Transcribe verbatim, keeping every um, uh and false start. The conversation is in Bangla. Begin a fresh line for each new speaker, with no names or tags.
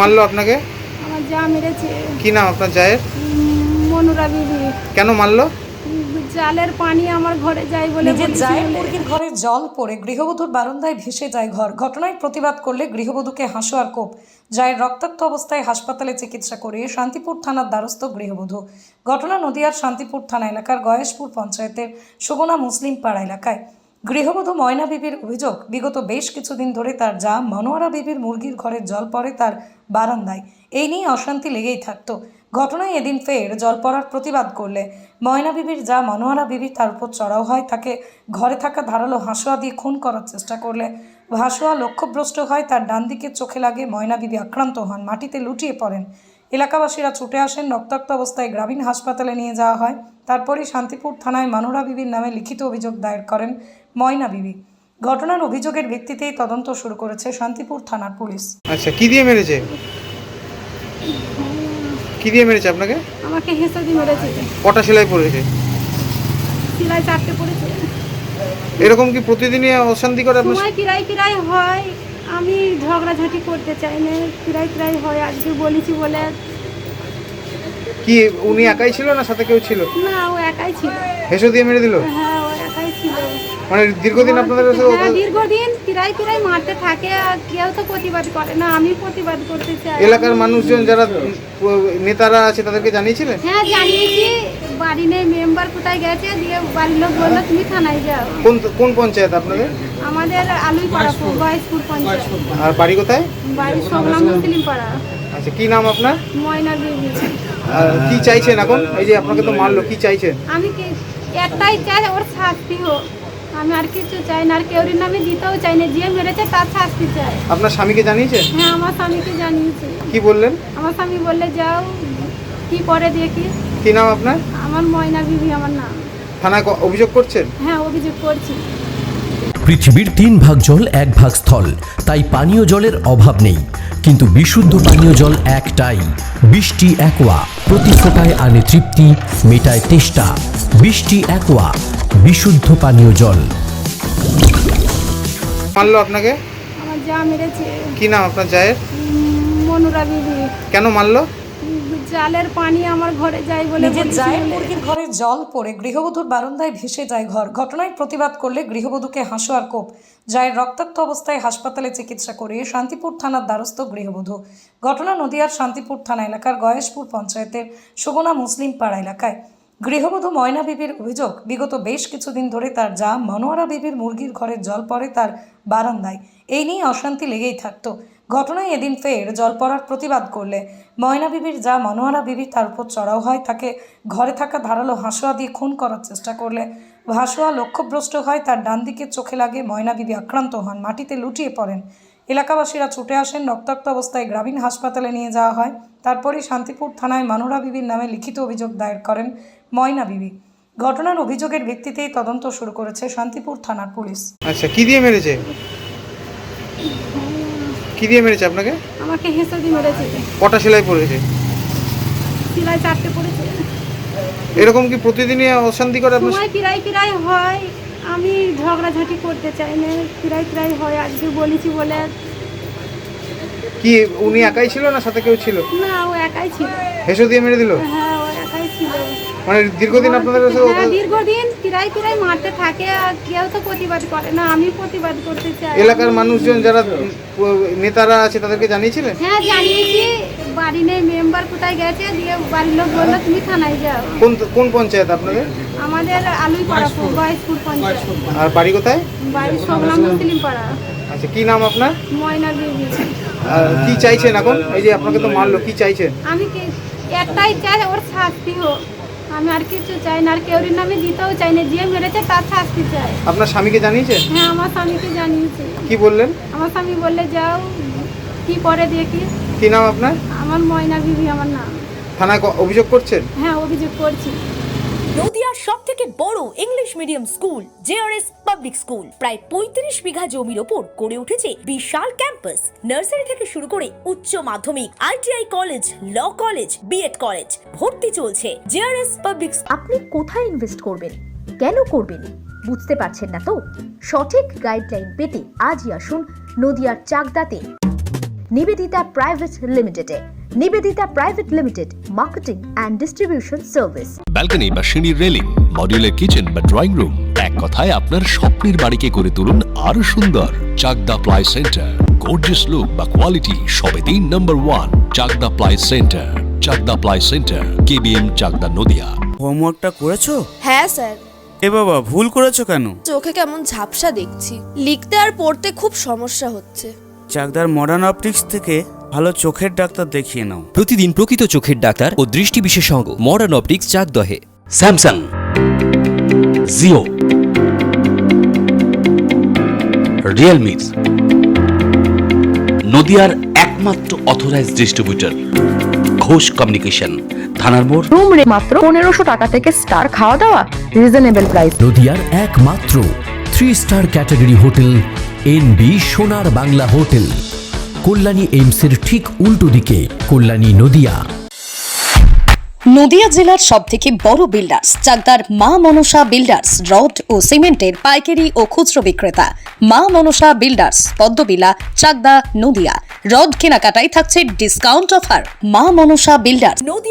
মারলো আপনাকে?
আমার যা মেরেছে।
কি নাম আপনার জায়ের?
মনুরা বিবি।
কেন মারলো?
জালের পানি আমার ঘরে যায় বলে।
নিজের জায়ের মুরগির ঘরে জল পড়ে গৃহবধূর বারান্দায় ভেসে যায় ঘর। ঘটনায় প্রতিবাদ করলে গৃহবধূকে হাসো আর কোপ। জায়ের রক্তাক্ত অবস্থায় হাসপাতালে চিকিৎসা করিয়ে শান্তিপুর থানার দ্বারস্থ গৃহবধূ। ঘটনা নদিয়ার শান্তিপুর থানা এলাকার গয়েশপুর পঞ্চায়েতের সুগনা মুসলিম পাড়া এলাকায়। গৃহবধূ ময়না বিবির অভিযোগ, বিগত বেশ কিছুদিন ধরে তার যা মনোয়ারা বিবির মুরগির ঘরে জল পড়ে তার বারান্দায়। এই নিয়ে অশান্তি লেগেই থাকতো। ঘটনায় এদিন ফের জল পড়ার প্রতিবাদ করলে ময়না বিবির যা মনোয়ারা বিবি তার উপর চড়াও হয়। তাকে ঘরে থাকা ধারালো হাঁসুয়া দিয়ে খুন করার চেষ্টা করলে হাঁসুয়া লক্ষ্যভ্রষ্ট হয়। তার ডান দিকের চোখে লাগে। ময়না বিবি আক্রান্ত হন, মাটিতে লুটিয়ে পড়েন। এলাকাবাসীরা ছুটে আসেন। রক্তাক্ত অবস্থায় গ্রামীণ হাসপাতালে নিয়ে যাওয়া হয়। তারপরই শান্তিপুর থানায় মনোয়ারা বিবির নামে লিখিত অভিযোগ দায়ের করেন ময়না বিবি। ঘটনার অভিযোগের ভিত্তিতেই তদন্ত শুরু করেছে শান্তিপুর থানার পুলিশ।
আচ্ছা, কি দিয়ে মেরেছে? কি দিয়ে মেরেছে আপনাকে?
আমাকে হেসে দিয়ে মেরেছে।
কটা সেলাই পড়েছে?
সেলাই চারটে পড়েছে।
এরকম কি প্রতিদিনই অশান্তি করে আপনার?
সময় কিরাই কিরাই হয়, আমি ঝগড়াঝাটি করতে চাই না, কিরাই কিরাই হয়। আজকে বলেছি বলে।
কি উনি একাই ছিল না সাথে কেউ ছিল?
না, ও একাই ছিল।
হেসো দিয়ে মেরে দিল?
হ্যাঁ, ও একাই ছিল।
মানে দীর্ঘদিন আপনাদের কাছে?
হ্যাঁ, দীর্ঘদিন কিরাই কিরাই মারতে থাকে আর কেউ তো প্রতিবাদ করে না। আমি প্রতিবাদ করতে চাই।
এলাকার মানুষজন যারা নেতারা আছে তাদেরকে জানিয়েছিলেন?
হ্যাঁ, জানিয়েছি। বাড়ি নেই, মেম্বার কোথায় গেছে, দিয়ে বাড়ির লোক বললো তুমি থানায় যাও।
কোন কোন পঞ্চায়েত আপনাদের?
আমাদের আলুই পাড়া, গয়েশপুর পঞ্চায়েত।
আর বাড়ি কোথায়?
বাড়ি সোগলা মুসলিম পাড়া।
আচ্ছা, কি নাম আপনার?
ময়না বিবি।
আর কি চাইছেন এখন? এই যে আপনাকে তো মারলো, কি চাইছেন?
আমি কি একটাই চাই, ওর শাস্তি হোক। আমি আর কিছু চাই না, আর কেউর নামে দিতেও চাই না। যে মেরেছে তার শাস্তি চাই।
আপনার স্বামীকে জানিয়েছেন?
হ্যাঁ, আমার স্বামীকে জানিয়েছি।
কি বললেন?
আমার স্বামী বললে যাও, কি করে দেখি।
কি নাম আপনার?
আমার ময়না বিবি আমার নাম।
থানায় ক- অভিযোগ করছেন?
হ্যাঁ, অভিযোগ করছি।
পৃথিবীর তিন ভাগ জল এক ভাগ স্থল, তাই পানীয় জলের অভাব নেই। কিন্তু বিশুদ্ধ পানীয় জল একটাই, বৃষ্টি অ্যাকোয়া। প্রতি ফোটায় আনে তৃপ্তি, মেটায় তেষ্টা। বৃষ্টি অ্যাকোয়া, বিশুদ্ধ পানীয় জল।
মারলো আপনাকে?
আমার যা মেরেছে।
কি নাম আপনার জায়ের?
মনুরা বিবি।
কেন মারলো?
জালের পানি আমার ঘরে যায় বলে।
নিজের জায়ের মুরগির ঘরে জল পড়ে গৃহবধূর বারান্দায় ভেসে যায় ঘর। ঘটনায় প্রতিবাদ করলে গৃহবধূকে হাসো আর কোপ। জায়ের রক্তাক্ত অবস্থায় হাসপাতালে চিকিৎসা করিয়ে শান্তিপুর থানার দ্বারস্থ গৃহবধূ। ঘটনা নদিয়ার শান্তিপুর থানা এলাকার গয়েশপুর পঞ্চায়েতের সুগনা মুসলিম পাড়া এলাকায়। গৃহবধূ ময়না বিবির অভিযোগ, বিগত বেশ কিছুদিন ধরে তার যা মনোয়ারা বিবির মুরগির ঘরে জল পড়ে তার বারান্দায়। এই নিয়ে অশান্তি লেগেই থাকতো। ঘটনায় এদিন ফের জল পড়ার প্রতিবাদ করলে ময়না বিবির যা মনোয়ারা বিবি তার উপর চড়াও হয়। তাকে ঘরে থাকা ধারালো হাঁসুয়া দিয়ে খুন করার চেষ্টা করলে হাঁসুয়া লক্ষ্যভ্রষ্ট হয়। তার ডান দিকের চোখে লাগে। ময়না বিবি আক্রান্ত হন, মাটিতে লুটিয়ে পড়েন। এলাকাবাসীরা ছুটে আসেন। রক্তাক্ত অবস্থায় গ্রামীণ হাসপাতালে নিয়ে যাওয়া হয়। তারপরই শান্তিপুর থানায় মনোয়ারা বিবির নামে লিখিত অভিযোগ দায়ের করেন ময়না বিবি। ঘটনার অভিযোগের ভিত্তিতেই তদন্ত শুরু করেছে শান্তিপুর থানার পুলিশ।
আচ্ছা, কি দিয়ে মেরেছে? কি দিয়ে মেরেছে আপনাকে?
আমাকে হেসে দিয়ে মেরেছে।
কটা সেলাই পড়েছে?
সেলাই চারটে পড়েছে।
এরকম কি প্রতিদিনই অশান্তি করে আপনার?
সময় কিরাই কিরাই হয়, আমি ঝগড়াঝাটি করতে চাই না, কিরাই কিরাই হয়। আজকে বলেছি বলে।
কি উনি একাই ছিল না সাথে কেউ ছিল?
না, ও একাই ছিল।
হেসো দিয়ে মেরে দিল?
হ্যাঁ, ও একাই ছিল।
মানে দীর্ঘদিন আপনাদের কাছে?
হ্যাঁ, দীর্ঘদিন কিরাই কিরাই মারতে থাকে আর কেউ তো প্রতিবাদ করে না। আমি প্রতিবাদ করতে চাই।
এলাকার মানুষজন যারা নেতারা আছে তাদেরকে জানিয়েছিলেন?
হ্যাঁ, জানিয়েছি। বাড়ি নেই, মেম্বার কোথায় গেছে, দিয়ে বাড়ির লোক বললো তুমি থানায় যাও।
কোন কোন পঞ্চায়েত আপনাদের?
আমাদের আলুই পাড়া, গয়েশপুর পঞ্চায়েত।
আর বাড়ি কোথায়?
বাড়ি সোগলা মুসলিম পাড়া।
আচ্ছা, কি নাম আপনার?
ময়না বিবি।
আর কি চাইছেন এখন? এই যে আপনাকে তো মারলো, কি চাইছেন?
আমি কি একটাই চাই, ওর শাস্তি হোক। আমি আর কিছু চাই না, আর কেউর নামে দিতেও চাই না। যে মেরেছে তার শাস্তি চাই।
আপনার স্বামীকে জানিয়েছেন?
হ্যাঁ, আমার স্বামীকে জানিয়েছি।
কি বললেন?
আমার স্বামী বললে যাও, কি করে দেখি।
কি নাম আপনার?
আমার ময়না বিবি আমার নাম।
থানায় ক- অভিযোগ করছেন?
হ্যাঁ, অভিযোগ করছি।
নদিয়ার সব থেকে বড় English medium school JRS public school প্রায় পঁয়ত্রিশ বিঘা জমির ওপর গড়ে উঠেছে বিশাল ক্যাম্পাস। নার্সারি থেকে শুরু করে উচ্চ মাধ্যমিক, ITI college, law college, BEd college ভর্তি চলছে। JRS public.
আপনি কোথায় ইনভেস্ট করবেন, কেন করবেন বুঝতে পারছেন না তো? সঠিক গাইডলাইন পেতে আজই আসুন নদিয়ার চাকদাতে নিবেদিতা প্রাইভেট লিমিটেডে। Nivedita private limited, marketing and distribution service.
Balcony বা সিঁড়ির রেলিং, মডিউলার কিচেন বা ড্রয়িং রুম, এক কথায় আপনার স্বপ্নের বাড়িকে করে তুলুন আরো সুন্দর। Chakdah ply centre, gorgeous look বা কোয়ালিটি সবে তিন number one. Chakdah ply centre, Chakdah ply centre, KBM, Chakdah, Nadia.
হোমওয়ার্কটা করেছো?
হ্যাঁ স্যার।
এ বাবা, ভুল করেছো কেন?
চোখে কেমন ঝাপসা দেখছি, লিখতে আর পড়তে খুব সমস্যা হচ্ছে।
চাকদার মডার্ন অপটিক্স থেকে ভালো চোখের ডাক্তার দেখিয়ে নাও।
প্রতিদিন প্রকৃত চোখের ডাক্তার ও দৃষ্টি বিশেষজ্ঞ মডার্ন অপটিক্স চাকদহে।
স্যামসাং, জিও, রিয়েলমি, নদিয়ার একমাত্র অথরাইজড ডিস্ট্রিবিউটর ঘোষ কমিউনিকেশন, থানার মোড়।
রুম রে মাত্র পনেরোশো টাকা থেকে স্টার খাওয়া দাওয়া, রিজনেবল প্রাইস।
নদিয়ার একমাত্র three star category hotel N B Sonar Bangla hotel, Kalyani এইমসের ঠিক উল্টো দিকে, কল্যাণী, নদিয়া।
নদিয়া জেলার সব থেকে বড় বিল্ডার্স চাকদার মা মনসা বিল্ডার্স, রড ও সিমেন্টের পাইকারি ও খুচরো বিক্রেতা। মা মনসা বিল্ডার্স, পদ্মবিলা, চাকদা, নদিয়া। রড কেনাকাটায় থাকছে ডিসকাউন্ট অফার। মা মনসা বিল্ডার্স।
নদিয়া